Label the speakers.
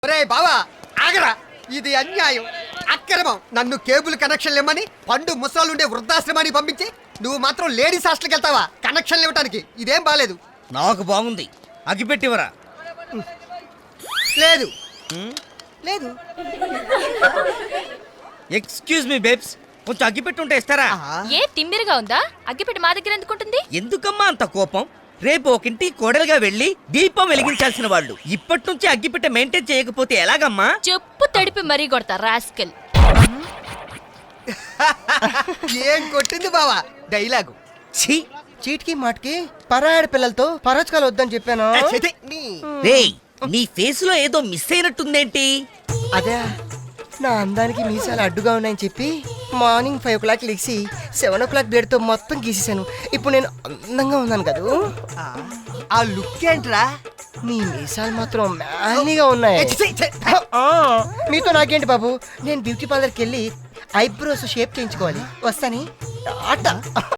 Speaker 1: ఒరే బావా ఆగరా, ఇది అన్యాయం, అక్రమం. నన్ను కేబుల్ కనెక్షన్ ఇవ్వమని పండు ముసలాలుండే వృద్ధాశ్రమానికి పంపించి నువ్వు మాత్రం లేడీస్ హాస్టల్కి వెళ్తావా కనెక్షన్లు ఇవ్వడానికి? ఇదేం బాలేదు.
Speaker 2: నాకు బాగుంది, అగిపెట్టివరా?
Speaker 1: లేదు లేదు.
Speaker 2: ఎక్స్క్యూజ్ మీ బేబ్స్, కొంచెం అగ్గిపెట్టుంటే ఇస్తారా?
Speaker 3: ఏ తిమ్మిరిగా ఉందా? అగ్గిపెట్టి మా దగ్గర ఎందుకుంటుంది?
Speaker 2: ఎందుకమ్మా అంత కోపం? రేపు ఒకింటి కోడలుగా వెళ్ళి దీపం వెలిగించాల్సిన వాళ్ళు ఇప్పటి నుంచి అగ్గిపెట్టె మెయింటైన్ చేయకపోతే ఎలాగమ్మా?
Speaker 3: చెప్పు తడిపి మరీ కొడతా రాస్కెల్.
Speaker 1: ఏం కొట్టింది బావా డైలాగు?
Speaker 2: ఛీ!
Speaker 4: చీటికి మాటికి పరాయాడి పిల్లలతో పరాచకాలు వద్దని చెప్పాను.
Speaker 2: రేయ్, నీ ఫేస్ లో ఏదో మిస్ అయినట్టుందేంటి?
Speaker 4: అదే నా అందానికి మీసాలు అడ్డుగా ఉన్నాయని చెప్పి మార్నింగ్ 5 o'clock లేచి 7 o'clock బ్లేడ్తో మొత్తం గీసేసాను. ఇప్పుడు నేను అందంగా ఉన్నాను కదా.
Speaker 1: ఆ లుక్ ఏంట్రా?
Speaker 4: నీ మీసాలు మాత్రం మ్యాలీగా ఉన్నాయి. మీతో నాకేంటి బాబు, నేను బ్యూటీ పార్లర్కి వెళ్ళి ఐబ్రోస్ షేప్ చేయించుకోవాలి. వస్తాని టాటా.